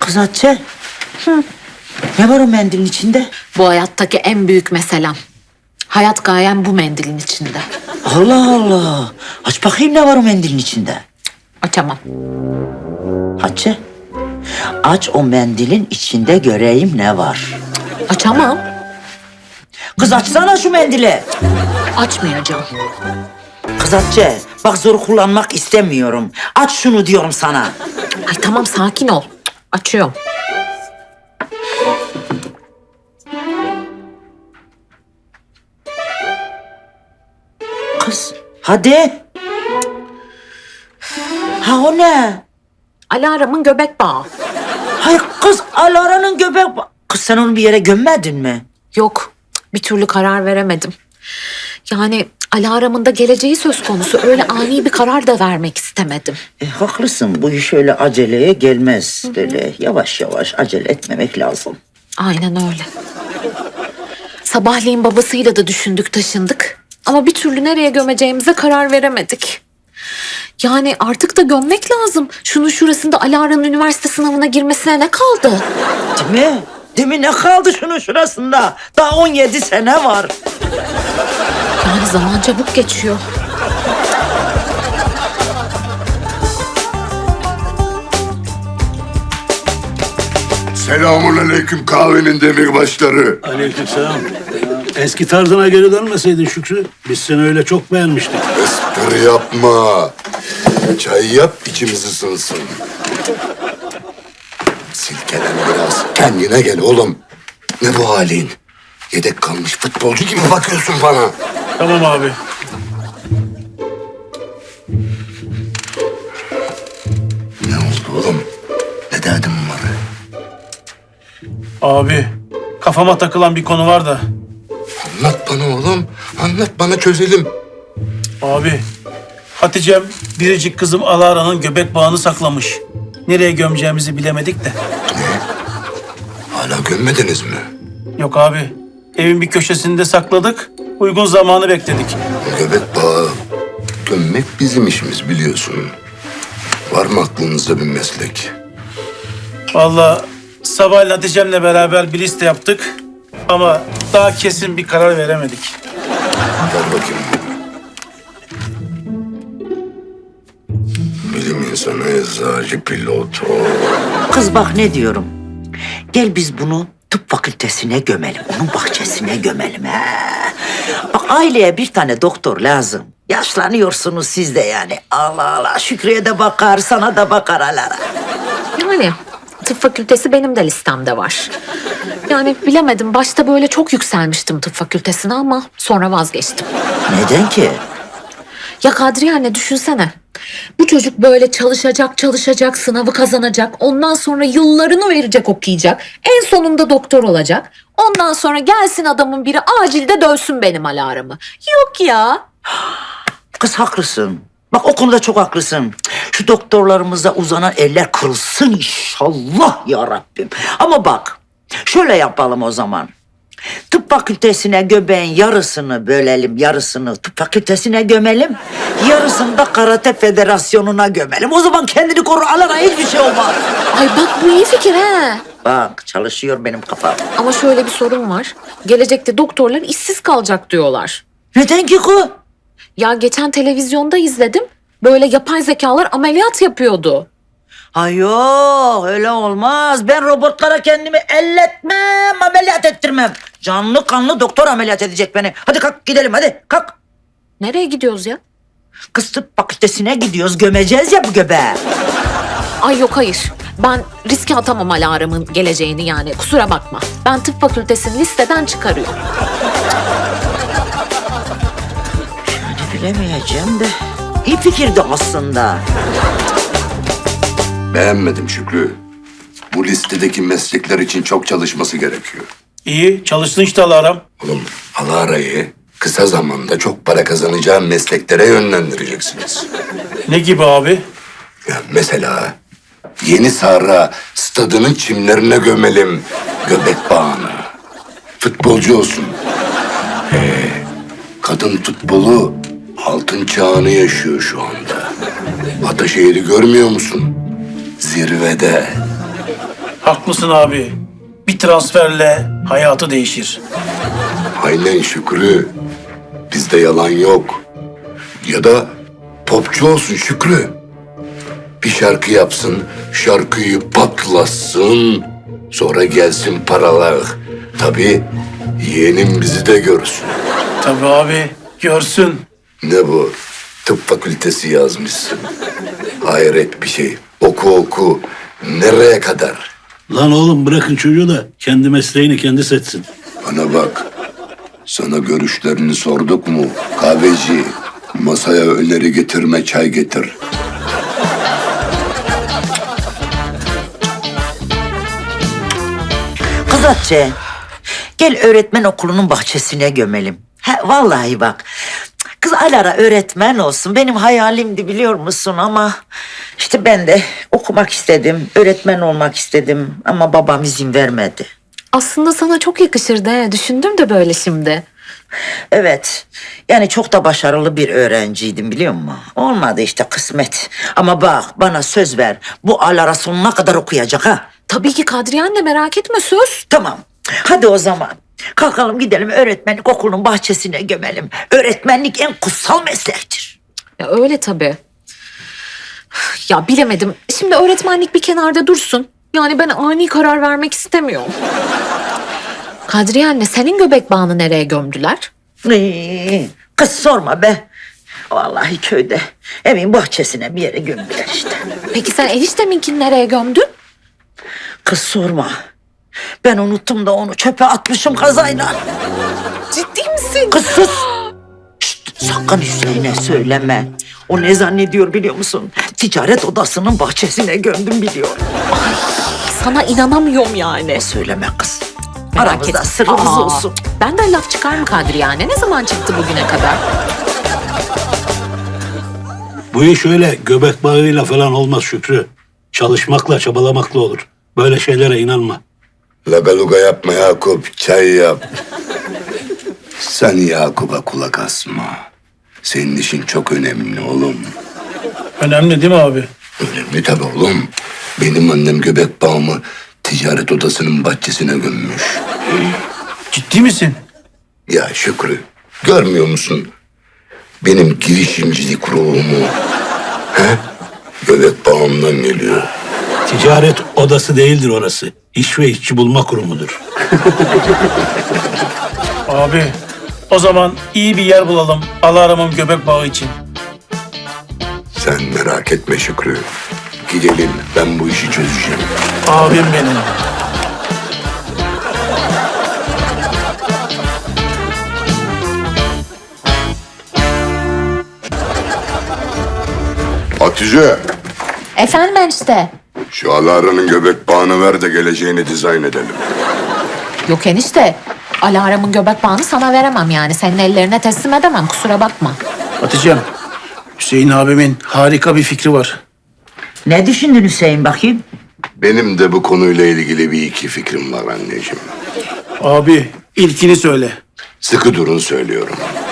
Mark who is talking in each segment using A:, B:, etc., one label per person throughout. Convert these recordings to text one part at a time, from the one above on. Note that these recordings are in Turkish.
A: Kız Hatice. Ne var o mendilin içinde?
B: Bu hayattaki en büyük meselem. Hayat gayem bu mendilin içinde.
A: Allah Allah. Aç bakayım ne var o mendilin içinde.
B: Açamam.
A: Hatice. Aç o mendilin içinde göreyim ne var.
B: Açamam.
A: Kız açsana şu mendili.
B: Açmayacağım.
A: Kız Hatice. Bak zor kullanmak istemiyorum. Aç şunu diyorum sana.
B: Ay tamam sakin ol. Açıyorum.
A: Kız hadi. Ha o ne?
B: Alarmın göbek bağı.
A: Hayır kız Alara'nın göbek... Kız sen onu bir yere gömmedin mi?
B: Yok. Bir türlü karar veremedim. Yani alarmın da geleceği söz konusu. Öyle ani bir karar da vermek istemedim.
A: Haklısın. Bu iş öyle aceleye gelmez. Böyle yavaş yavaş acele etmemek lazım.
B: Aynen öyle. Sabahleyin babasıyla da düşündük taşındık. Ama bir türlü nereye gömeceğimize karar veremedik. Yani artık da gömmek lazım. Şunun şurasında Alara'nın üniversite sınavına girmesine ne kaldı?
A: Değil mi? Değil mi? Ne kaldı şunun şurasında? Daha 17 sene var.
B: Yani zaman çabuk geçiyor.
C: Selamünaleyküm kahvenin demirbaşları.
D: Aleykümselam. Eski tarzına geri dönmeseydin Şükrü. Biz seni öyle çok beğenmiştik.
C: Espri yapma. Çay yap içimiz ısınsın. Silkelen biraz. Kendine gel oğlum. Ne bu halin? Yedek kalmış futbolcu gibi bakıyorsun bana.
D: Tamam abi.
C: Ne oldu oğlum? Ne derdin var?
D: Abi kafama takılan bir konu var da.
C: Anlat bana oğlum. Anlat bana çözelim.
D: Abi Hatice'm biricik kızım Alara'nın göbek bağını saklamış. Nereye gömeceğimizi bilemedik de.
C: Hala gömmediniz mi?
D: Yok abi evin bir köşesinde sakladık. Uygun zamanı bekledik.
C: Göbek bağı gömmek bizim işimiz biliyorsun. Var mı aklınızda bir meslek?
D: Vallahi sabah Hatice'mle beraber bir liste yaptık. Ama daha kesin bir karar veremedik.
C: Gel bakayım. Bilim insanı, eczacı, pilot.
A: Kız bak ne diyorum. Gel biz bunu tıp fakültesine gömelim. Onun bahçesine gömelim. He. Bak aileye bir tane doktor lazım. Yaşlanıyorsunuz siz de yani. Allah Allah. Şükrü'ye de bakar, sana da bakar Alara.
B: Yani tıp fakültesi benim de listemde var. Yani bilemedim. Başta böyle çok yükselmiştim tıp fakültesine ama sonra vazgeçtim.
A: Neden ki?
B: Ya Kadriye anne düşünsene. Bu çocuk böyle çalışacak, sınavı kazanacak. Ondan sonra yıllarını verecek okuyacak. En sonunda doktor olacak. Ondan sonra gelsin adamın biri acilde dövsün benim alarmı. Yok ya.
A: Kız haklısın. Bak o konuda çok haklısın. Şu doktorlarımıza uzanan eller kırılsın inşallah ya Rabbim. Ama bak şöyle yapalım o zaman. Tıp fakültesine göbeğin yarısını bölelim, yarısını tıp fakültesine gömelim. Yarısını da karate federasyonuna gömelim. O zaman kendini koru Alara hiçbir şey olmaz.
B: Ay bak bu iyi fikir he.
A: Bak çalışıyor benim kafam.
B: Ama şöyle bir sorun var. Gelecekte doktorlar işsiz kalacak diyorlar.
A: Neden ki ku?
B: Ya geçen televizyonda izledim. Böyle yapay zekalar ameliyat yapıyordu.
A: Ay yok öyle olmaz. Ben robotlara kendimi elletmem, ameliyat ettirmem. Canlı kanlı doktor ameliyat edecek beni. Hadi kalk gidelim hadi kalk.
B: Nereye gidiyoruz ya?
A: Kız tıp fakültesine gidiyoruz gömeceğiz ya bu göbeği.
B: Ay yok hayır. Ben riske atamam alarmın geleceğini yani. Kusura bakma. Ben tıp fakültesini listeden çıkarıyorum.
A: Bilemeyeceğim de. İyi fikirdi aslında.
C: Beğenmedim Şükrü. Bu listedeki meslekler için çok çalışması gerekiyor.
D: İyi çalışsın işte Alara'm.
C: Oğlum Alara'yı kısa zamanda çok para kazanacağın mesleklere yönlendireceksiniz.
D: Ne gibi abi?
C: Ya mesela Yeni Sahra stadının çimlerine gömelim göbek bağını. Futbolcu olsun. Kadın futbolu altın çağını yaşıyor şu anda. Ataşehir'i görmüyor musun? Zirvede.
D: Haklısın abi. Bir transferle hayatı değişir.
C: Aynen Şükrü. Bizde yalan yok. Ya da popçu olsun Şükrü. Bir şarkı yapsın, şarkıyı patlasın. Sonra gelsin paralar. Tabii yeğenim bizi de görsün.
D: Tabii abi, görsün.
C: Ne bu? Tıp fakültesi yazmışsın. Hayret bir şey. Oku oku. Nereye kadar?
E: Lan oğlum bırakın çocuğu da kendi mesleğini kendi seçsin.
C: Bana bak. Sana görüşlerini sorduk mu? Kahveci, masaya öneri getirme, çay getir.
A: Kız Hatice, gel öğretmen okulunun bahçesine gömelim. Vallahi bak. Kız Alara öğretmen olsun. Benim hayalimdi biliyor musun ama işte ben de okumak istedim. Öğretmen olmak istedim ama babam izin vermedi.
B: Aslında sana çok yakışırdı he. Düşündüm de böyle şimdi.
A: Evet. Yani çok da başarılı bir öğrenciydim biliyor musun? Olmadı işte kısmet. Ama bak bana söz ver. Bu Alara sonuna kadar okuyacak ha.
B: Tabii ki Kadriye anne, merak etme, söz.
A: Tamam. Hadi o zaman. Kalkalım gidelim öğretmenlik okulunun bahçesine gömelim. Öğretmenlik en kutsal meslektir.
B: Ya öyle tabii. Ya bilemedim. Şimdi öğretmenlik bir kenarda dursun. Yani ben ani karar vermek istemiyorum. Kadriye anne, senin göbek bağını nereye gömdüler?
A: Kız sorma be. Vallahi köyde evin bahçesine bir yere gömdüler işte.
B: Peki sen enişteminkini nereye gömdün?
A: Kız sorma. Ben unuttum da onu çöpe atmışım kazayla.
B: Ciddi misin?
A: Kız sus. Şşt, sakın Hüseyin'e söyleme. O ne zannediyor biliyor musun? Ticaret odasının bahçesine gömdüm biliyor.
B: Sana inanamıyorum yani.
A: Söyleme kız.
B: Merak
A: Aramızda
B: etme.
A: sırrımız
B: Aa,
A: olsun.
B: Benden laf çıkar mı Kadriye anne? Ne zaman çıktı bugüne kadar?
E: Bu iş öyle göbek bağıyla falan olmaz Şükrü. Çalışmakla çabalamakla olur. Böyle şeylere inanma.
C: Lagaluga yapma Yakup, çay yap. Sen Yakup'a kulak asma. Senin işin çok önemli oğlum.
D: Önemli değil mi abi?
C: Önemli tabii oğlum. Benim annem göbek bağımı ticaret odasının bahçesine gömmüş.
D: Ciddi misin?
C: Ya Şükrü, görmüyor musun? Benim girişimcilik ruhumu. He? Göbek bağımdan geliyor.
E: Ticaret odası değildir orası. İş ve işçi bulma kurumudur.
D: Abi, o zaman iyi bir yer bulalım Alara'nın göbek bağı için.
C: Sen merak etme Şükrü. Gidelim, ben bu işi çözeceğim.
D: Abim benim.
C: Hatice,
B: Efendim enişte.
C: şu Alara'nın göbek bağını ver de geleceğini dizayn edelim.
B: Yok enişte. Alarm'ın göbek bağını sana veremem yani. Senin ellerine teslim edemem, kusura bakma.
D: Hatice'm, Hüseyin abimin harika bir fikri var.
A: Ne düşündün Hüseyin bakayım?
C: Benim de bu konuyla ilgili bir iki fikrim var anneciğim.
D: Abi, ilkini söyle.
C: Sıkı durun söylüyorum.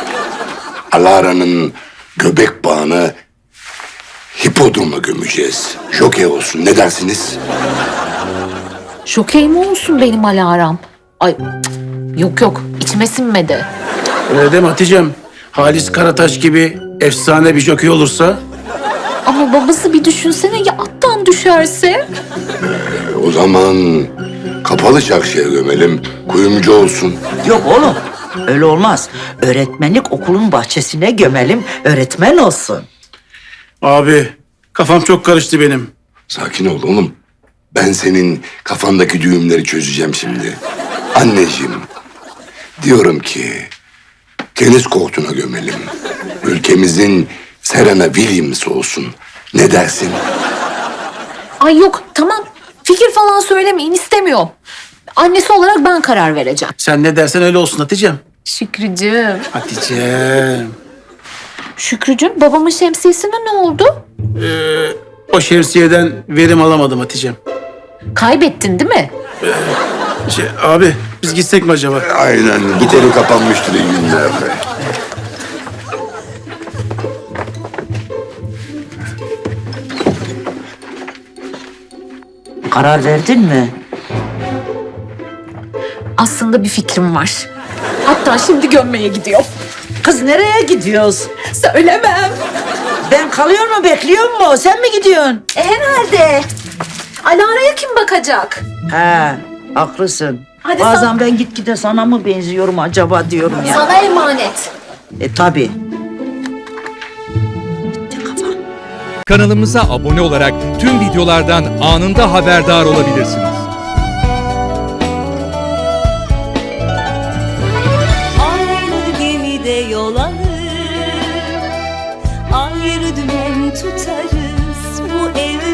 C: Alara'nın göbek bağını hipodroma gömeceğiz. Jokey olsun, ne dersiniz?
B: Jokey mi olsun benim Alarm? Ay cık, yok yok, içime sinmedi.
D: Öyle deme Hatice'm. Halis Karataş gibi efsane bir jokey olursa...
B: Ama babası bir düşünsene, ya attan düşerse?
C: O zaman kapalı çarşıya gömelim, kuyumcu olsun.
A: Yok oğlum. Öyle olmaz. Öğretmenlik okulun bahçesine gömelim. Öğretmen olsun.
D: Abi, kafam çok karıştı benim.
C: Sakin ol oğlum. Ben senin kafandaki düğümleri çözeceğim şimdi. Anneciğim, diyorum ki tenis kortuna gömelim. Ülkemizin Serena Williams olsun. Ne dersin?
B: Ay yok, tamam. Fikir falan söylemeyin, istemiyorum. Annesi olarak ben karar vereceğim.
D: Sen ne dersen öyle olsun Hatice'm.
B: Şükrücüğüm.
D: Hatice'm.
B: Şükrücüğüm, babamın şemsiyesine ne oldu?
D: O şemsiyeden verim alamadım Hatice'm.
B: Kaybettin değil mi?
D: Abi, biz gitsek mi acaba?
C: Aynen, bu konu kapanmıştır iyi günlerde.
A: Karar verdin mi?
B: Aslında bir fikrim var. Hatta şimdi gömmeye gidiyorum.
A: Kız nereye gidiyoruz?
B: Söylemem.
A: Ben kalıyor mu, bekliyor mu? Sen mi gidiyorsun?
B: Herhalde. Alara'ya kim bakacak?
A: He, haklısın.
B: Hadi
A: Bazen ben gitgide sana mı benziyorum acaba diyorum ya.
B: Sana emanet.
A: Tabii.
F: Kanalımıza abone olarak tüm videolardan anında haberdar olabilirsiniz.
G: Aynı gemide yol alır, ayrı dümen tutarız. Bu evde